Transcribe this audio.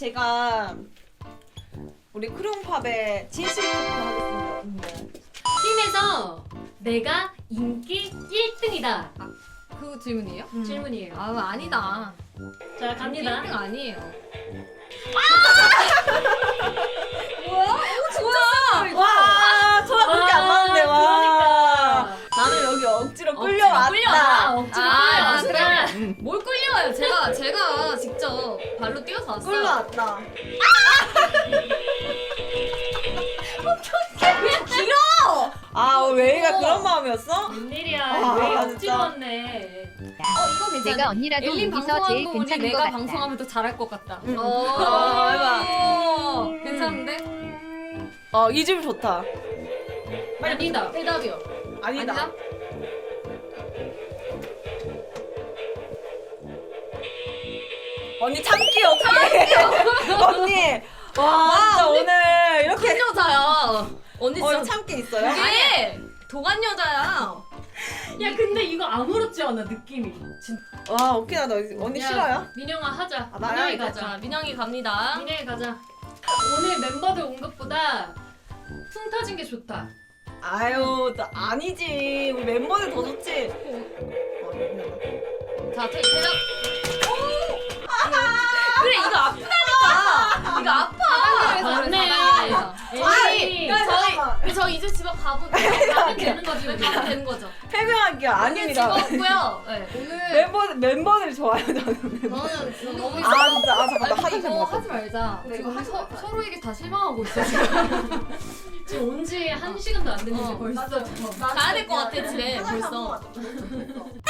제가 우리 크롱팝의 진실 토크 하겠습니다. 팀에서 내가 인기 1등이다. 그 질문이에요? 질문이에요. 아 아니다. 자, 갑니다. 1등 아니에요. 뭐야? 진짜? 와, 저랑 그렇게 안 맞는데 와. 그러니까. 나는 여기 억지로 끌려왔다. 억지로 아, 끌려왔다. 뭘 끌려와요? 제가 직접 발로 뛰어서 왔어요. 끌려왔다. 길어! 아, 웨이가 그런 마음이었어? 웬일이야. 아, 왜 진짜. 억지로 왔네. 이거 괜찮아. 내가 언니라도 엘린 여기서 방송하는 제일 거 보니 괜찮은 것 내가 같다. 방송하면 더 잘할 것 같다. 응. 해봐. 괜찮은데? 이 집 좋다. 아니다. 대답이요. 아니다. 아니다? 언니 참기 없게. 언니. 와, 진짜 오늘 이렇게 큰 여자야. 언니 진짜 참기 있어요? 이게 도관 여자야. 야, 근데 이거 아무렇지 않아, 느낌이. 진짜. 와, 오케이. 나 언니 야, 싫어요? 민영아 하자. 아, 나야, 민영이 이제. 가자. 자, 민영이 갑니다. 민영이 가자. 오늘 멤버들 온 것보다 풍 터진 게 좋다. 아유, 나 아니지. 우리 멤버들 더 좋지. 자, 대답. 그래, 이거 아프다니까. 이거 아파. 맞네. 아니, 저 이제 집에 가면 되는 거지, 우리. 가면 되는 거죠. 해명할게요. 아닙니다. 즐거웠고요. 네, 오늘 멤버들이 좋아요, 저는. 저는 지금 너무 아, 진짜. 아, 잠깐. 나 아니, 하도 이거 잘 하지 말자. 그래, 지금 이거 우리 하지 말자. 서로에게 다 실망하고 있어. 지금. 지금 온 지 1시간도 안 됐는데 벌써. 가야 될 것 같아, 집에 벌써. 벌써.